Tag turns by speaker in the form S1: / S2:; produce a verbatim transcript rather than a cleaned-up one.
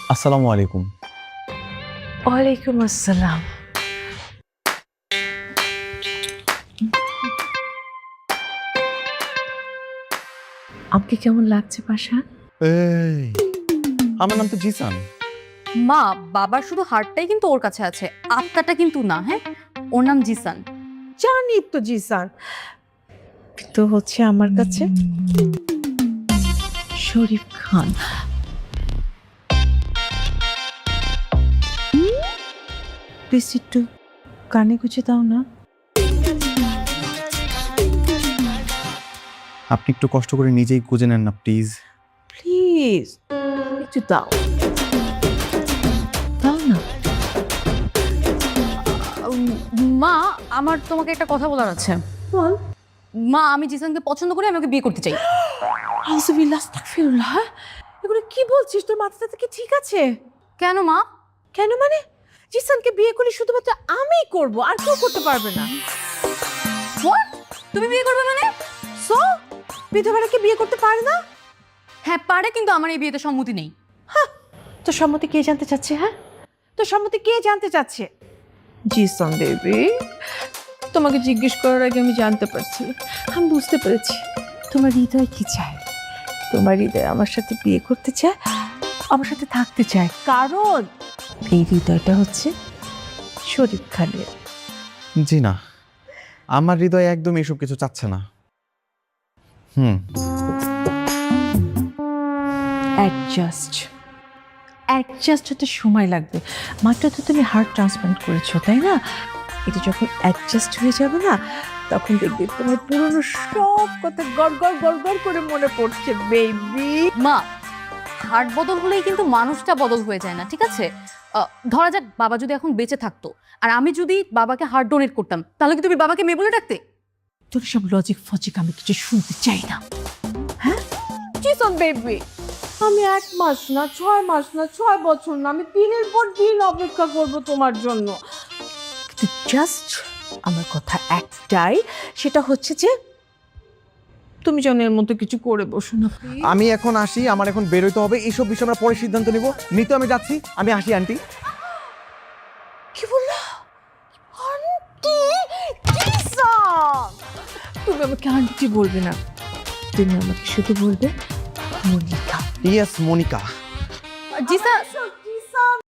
S1: আসসালামু আলাইকুম।
S2: ওয়ালাইকুম আসসালাম। আমাকে কেমন লাগছে পাশা?
S1: এই, আমার নাম তো জিসান।
S3: মা, বাবার শুধু হার্টটাই কিন্তু ওর কাছে আছে, আত্মাটা কিন্তু না। হ্যাঁ, ওর নাম জিসান।
S2: জানি তো জিসান, কিন্তু হচ্ছে আমার কাছে শরীফ খান। প্লিজ একটু কানে গুছে দাও না।
S1: আপনি একটু কষ্ট করে নিজেই খুঁজে নেন না প্লিজ।
S2: প্লিজ একটু দাও, দাও না।
S3: উম, মা, আমার তোমাকে একটা কথা বলার আছে।
S2: বল।
S3: মা, আমি জিসানকে পছন্দ করি, আমি ওকে বিয়ে করতে চাই।
S2: আউযুবিল্লাহ, আস্তাগফিরুল্লাহ। এগুলো কি বলছিস? তোর মাথাটা কি ঠিক আছে?
S3: কেন মা?
S2: কেন মানে? জিসানকে বিয়ে করলে শুধুমাত্র আমিই করব, আর কেউ করতে পারবে না।
S3: What? তুমি বিয়ে করবে মানে?
S2: সো বিধবারা কি বিয়ে করতে পারে না?
S3: হ্যাঁ পারে, কিন্তু আমার এই বিয়েতে সম্মতি নেই।
S2: তোর সম্মতি কে জানতে চাচ্ছে? হ্যাঁ, তোর সম্মতি কে জানতে চাচ্ছে? জিসান বেবি, তোমাকে জিজ্ঞেস করার আগে আমি জানতে পারছি, আমি বুঝতে পেরেছি তোমার হৃদয় কি চায়। তোমার হৃদয় আমার সাথে বিয়ে করতে চায়, আমার সাথে থাকতে চায়, কারণ এই হৃদয়টা হচ্ছে শরীফ খানের।
S1: জি না, আমার হৃদয় একদম এসব কিছু চাচ্ছে না। হুম
S2: অ্যাডজাস্ট অ্যাডজাস্ট হতে সময় লাগবে। মাত্র তো তুমি হার্ট ট্রান্সপ্লান্ট করেছো, তাই না? এটা যখন অ্যাডজাস্ট হয়ে যাবে না, তখন দেখবে তোমার পুরনো সব কথা গড় গড় গড় গড় করে মনে পড়ছে বেবি।
S3: মা, হার্ট বদল হলেই কিন্তু মানুষটা বদল হয়ে যায় না, ঠিক আছে? আহ, ধরা যাক বাবা যদি এখন বেঁচে থাকতো, আর আমি যদি বাবাকে হার্ট ডোনেট করতাম, তাহলে কি তুমি বাবাকে মেয়ে বলে ডাকতে?
S2: তোর সব লজিক ফজিক আমি কিছু শুনতে চাই না। হ্যাঁ জিসন বেবি, আমি এক মাস না, ছয় মাস না, ছয় বছর না, আমি দিনের পর দিন অপেক্ষা করব তোমার জন্য। কিন্তু জাস্ট আমার কথা একটাই, সেটা হচ্ছে যে তুমি যেন এর মতো কিছু করে বসো না।
S1: আমি এখন আসি, আমার এখন বেরোতে হবে, এইসব বিষয়ে আমরা পরে সিদ্ধান্ত নিব। নিতে আমি যাচ্ছি, আমি আসি আন্টি।
S2: কি বললা? আন্টি জিসান, তুমি আমাকে আন্টি বলবে না, তুমি আমাকে শুধু বলবে মনিকা।
S1: ইয়েস মনিকা।
S3: জিসান,